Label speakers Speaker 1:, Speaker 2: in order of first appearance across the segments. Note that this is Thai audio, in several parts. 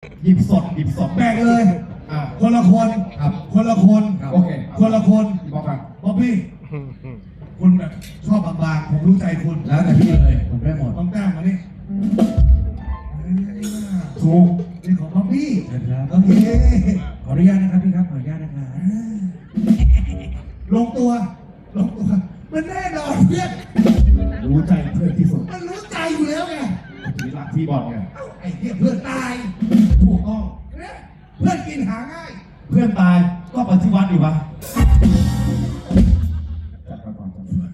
Speaker 1: หยิบสด
Speaker 2: แบ่งเลยคนละคนครับคนละคน
Speaker 1: โอเค
Speaker 2: คนละคน
Speaker 1: บอกกัน
Speaker 2: บ๊อบบี้คุณแบบชอบบางๆผมรู้ใจคุณ
Speaker 1: แล้วแต่พี่เลยผมได้หมด
Speaker 2: ต้องแต้มมานี่
Speaker 1: ถูก
Speaker 2: นี่ของบ๊อบบี้
Speaker 1: เชิญครับ
Speaker 2: โอเค
Speaker 1: ขออนุญาตนะครับพี่ครับขออนุญาตนะครับ
Speaker 2: ลงตัวมันแน่นอนเพื่อน
Speaker 1: รู้ใจเพื่อนที่สุด
Speaker 2: มันรู้ใจอยู่แล้วไง
Speaker 1: ทีหลักที่บอลไง
Speaker 2: เอ้าไอ้เหี้ยเพื่อนตาย
Speaker 1: ถูกต้อง
Speaker 2: เนี่ยเพื่อนกินหาง่าย
Speaker 1: เพื่อนตายก็ปฏิวัติดีวะจัดมาก่อนจัดมา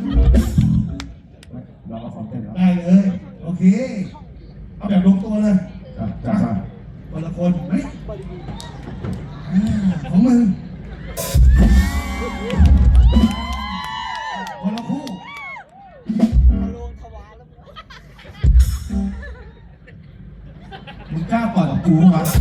Speaker 1: เรามาซ้อมเต้นแล้ว
Speaker 2: ได้เลยโอเคเอาแบบลงตัวเลย
Speaker 1: จัดมา
Speaker 2: คนละคนเฮ้ยของมึงคนละคู่
Speaker 1: มึงกล้าปล่อยกับกูวะ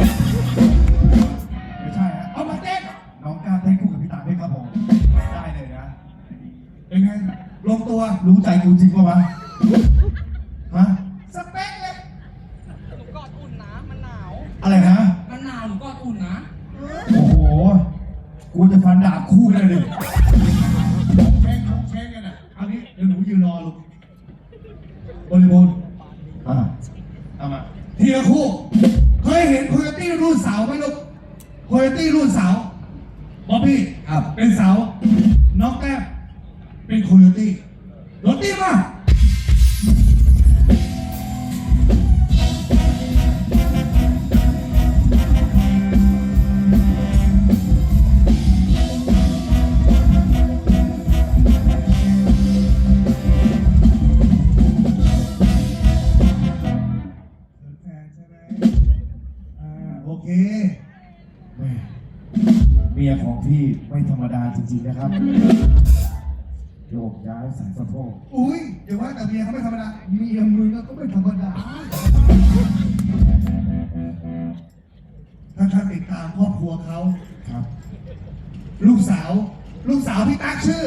Speaker 1: ไม่ใช่ฮะ
Speaker 2: เอามาเต้น
Speaker 1: น้องกล้าเต้นคู่กับพี่ตาไหมครับผมได้เลยนะ
Speaker 2: เป็นไงลงตัว
Speaker 1: รู้ใจกูจริงปะวะฮะ
Speaker 2: สเปคเลย
Speaker 3: หนูกอดอุ่นนะ มันหนาว
Speaker 1: อะไรนะ
Speaker 3: มันหนาวหนูกอดอุ่นนะ
Speaker 1: โอ้โห กูจะฟันดาบคู่เลยดิ
Speaker 2: เช็คกันอ่ะเอานี้เดี๋ยวหนูยืนรอลูกบริบูรณ์
Speaker 1: เอามา
Speaker 2: ทีละคู่เคยเห็นโคโยตี้รุ่นเสาไหมลูกโคโยตี้รุ่นเสาบ๊อบบี้เป็นเสาน้องแต้มเป็นโคโยตี้รถตี้มาแฟนใช่ไหมโอเค
Speaker 1: แม่เมียของพี่ไม่ธรรมดาจริงๆนะครับ โยกย้ายสายสะโพก
Speaker 2: อุ้ยเดี๋ยวว่าแต่เมียเขาไม่ธรรมดาเมียมึงก็ไม่ธรรมดาถ้าท่านติดตามครอบครัวเขา
Speaker 1: ครับ
Speaker 2: ลูกสาวพี่ตั๊กชื่อ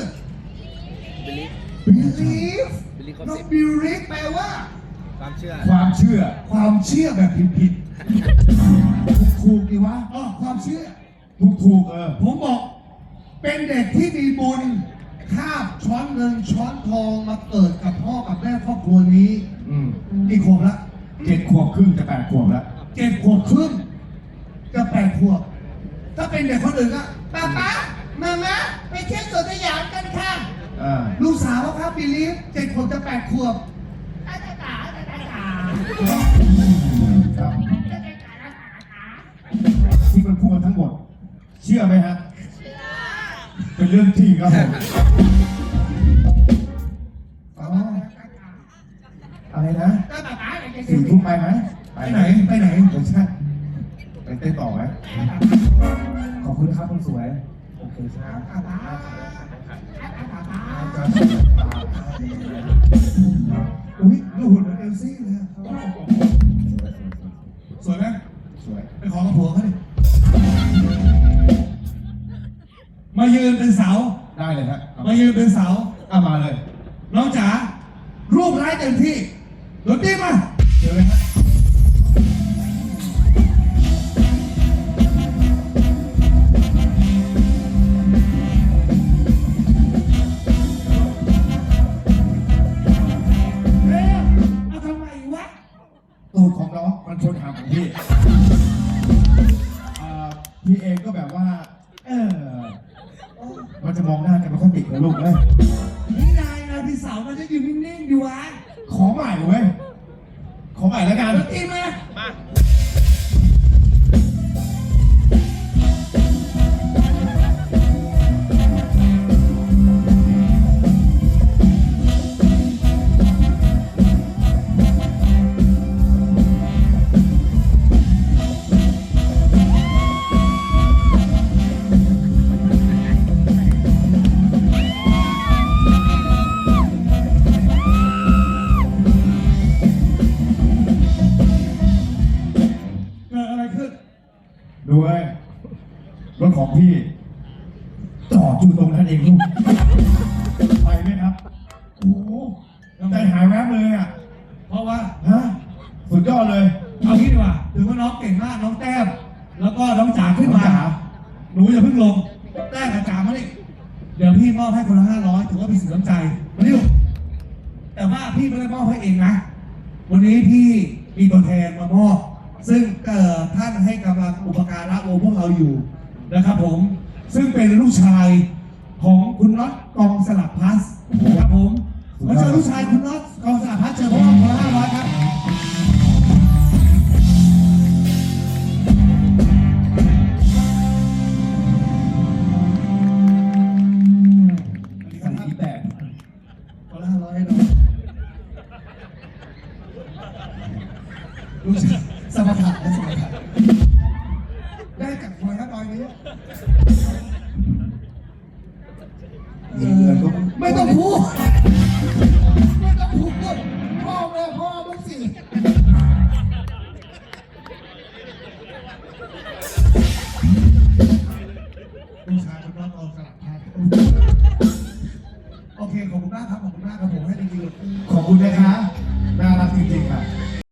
Speaker 2: believe น้อง believe แปลว่า
Speaker 3: ความเชื่อ
Speaker 1: ความเชื่อ
Speaker 2: ความเชื่อแบบผิด
Speaker 1: ถูกดีวะ
Speaker 2: ๆความเชื่อ
Speaker 1: ถูก
Speaker 2: ผมบอก เป็นเด็กที่มีบุญคาบช้อนเงินช้อนทองมาเกิดกับพ่อกับแม่ครอบครัวนี้ กี่ขวบละ
Speaker 1: 7 ขวบครึ่งจะ8 ขวบแล้ว
Speaker 2: 7 ขวบครึ่งจะ8 ขวบ ถ้าเป็นเด็กคนอื่นก็ป๊าป๊ามาม่าไปเที่ยวสวนสยามกันค่ะ ลูกสาวครับบิลีฟ7 ขวบจะ8 ขวบ
Speaker 1: ครับที่มันพูดมาทั้งหมด เชื่อไหมฮะ เป็นเรื่องจริงครับผมอ๋ออะไรนะ4 ทุ่มไปไหม
Speaker 2: ไปไหน
Speaker 1: ไม่ใช่ไปเต้นต่อไหมขอบคุณนะครับคนสวย โอเคครับ
Speaker 2: อุ้ยดูหุ่นเหมือนเอลซี่เลยอะสวยไหม
Speaker 1: สวย
Speaker 2: ไปขอกับผัวเขาดิมายืนเป็นเสา
Speaker 1: ได้เลยฮะ
Speaker 2: มายืนเป็นเสา
Speaker 1: มาเลย
Speaker 2: น้องจ๋า รูปร้ายเต็มที่รถตีมา
Speaker 1: เจอเลยฮะ
Speaker 2: เร็วเอาทำไมวะ
Speaker 1: ตูดของน้องมันชนหางของพี่พี่เองก็แบบว่า มันจะมองหน้ากันไม่ค่อยติดเลยลูกเลย
Speaker 2: นี่นายพี่สาวมันจะอยู่นิ่งๆอยู่วะ
Speaker 1: ขอใหม่เว้ย ขอใหม่แล้วกัน
Speaker 2: รถตีมา
Speaker 3: มา
Speaker 2: เกิดอะไรขึ้น
Speaker 1: ดูเว้ยรถของพี่จอดอยู่ตรงนั้นเองลูก ไปไหมครับ โอ้โหใจหายแวบเลยอ่ะ
Speaker 2: เพราะว่า
Speaker 1: ฮะ สุดยอดเลย
Speaker 2: เอางี้ดีกว่าถือว่าน้องน้องๆเก่งมากน้องแต้มแล้วก็น้องจ๋าขึ้นมา
Speaker 1: น้องจ๋า
Speaker 2: หนูอย่าเพิ่งลงแต้มกับจ๋ามาดิเดี๋ยวพี่มอบให้คนละ500ถือว่าเป็นสินน้ำใจมาดิแต่ว่าพี่ไม่ได้มอบให้เองนะ วันนี้พี่มีตัวแทนมามอบ ซึ่งท่านให้กำลังอุปการะพวกเราอยู่นะครับผม ซึ่งเป็นลูกชายของคุณน็อตกองสลับพลัสครับผมขอเชิญลูกชายคุณน็อตกองสลับพลัสเชิญพวกเราคนละ500ครับคนละ500ให้น้องลูกชายสมถะนะสมถะได้จากคนละ500นี้
Speaker 1: มีเงินก็
Speaker 2: ไม่ต้องพูดไม่ต้องพูดพ่อแม่พ่อลูกสิลูกชายคนน้องเอาสลับพาโอเคขอบคุณมากครับขอบคุณมากครับผมให้ดีๆ